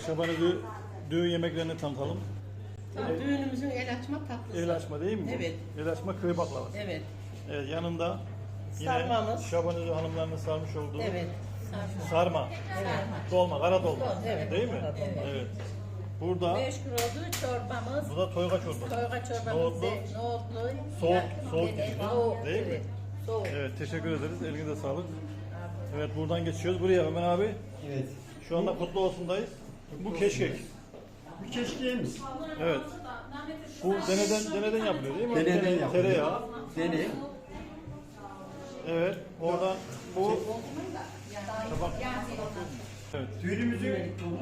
Şaban Özü düğün yemeklerini tanıtalım. Düğünümüzün el açma tatlısı. El açma değil mi bu? Evet. El açma köy baklavası. Evet. Evet, yanında yine Sarmamız. Şaban Özü hanımlarının sarmış olduğu Evet. sarma. Dolma, kara dolma. Evet. Değil mi? Evet. Burada Meşgul olduğu çorbamız. bu da toyga çorbası. Toyga çorbamız. Nohutlu. Nohutlu. Soğuk Evet, gibi. soğuk, Değil mi? evet. Soğuk. Evet, teşekkür ederiz. Elinize sağlık. Evet, buradan geçiyoruz. Buraya Ömer abi. Evet. Şu anda Kutlu Olsun'dayız. Bu keşkek. Bir keşkeğimiz. Evet. Bu deneden yapılıyor değil mi? Deneden yapılıyor. Tereyağı. Dene. Evet. Oradan bu tabak. Evet. Düğünümüzün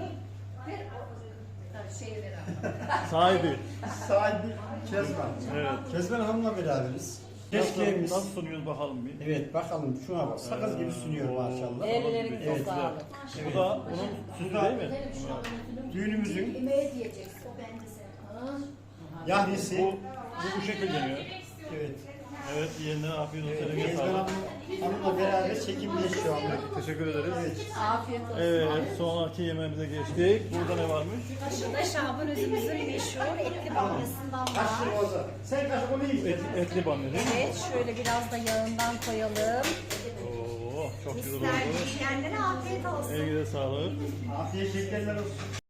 Sahibi. sahibi Kezban. Evet. Kezban Hanım'la beraberiz. Nasıl, Keşkeğimiz. nasıl sunuyoruz bakalım bir. Evet bakalım şuna bak. Sakız gibi sunuyor maşallah. Ellerine Evet. sağlık. Bu da bunun süsü değil mi? Düğünümüzün Yemeğe diyeceksin. Ben de sen. yahnisi. Bu şekilde deniyor. Evet. Evet, yeniden afiyet olsun. Eline Kezban sağlık. Hanım'la beraber çekimdeyiz şu anda. Teşekkür ederiz. Afiyet olsun. Evet, sonraki yemeğimize geçtik. Burada ne varmış? Şurada Şaban Özümüzün meşhur etli bamyasından var. Kaşık olsa. Sen kaşık onu yiyin. Etli bamya değil mi? Evet, şöyle biraz da yağından koyalım. Oo, çok güzel oldu. İster yiyenlere afiyet olsun. Elinize sağlık. Afiyet şekerler olsun.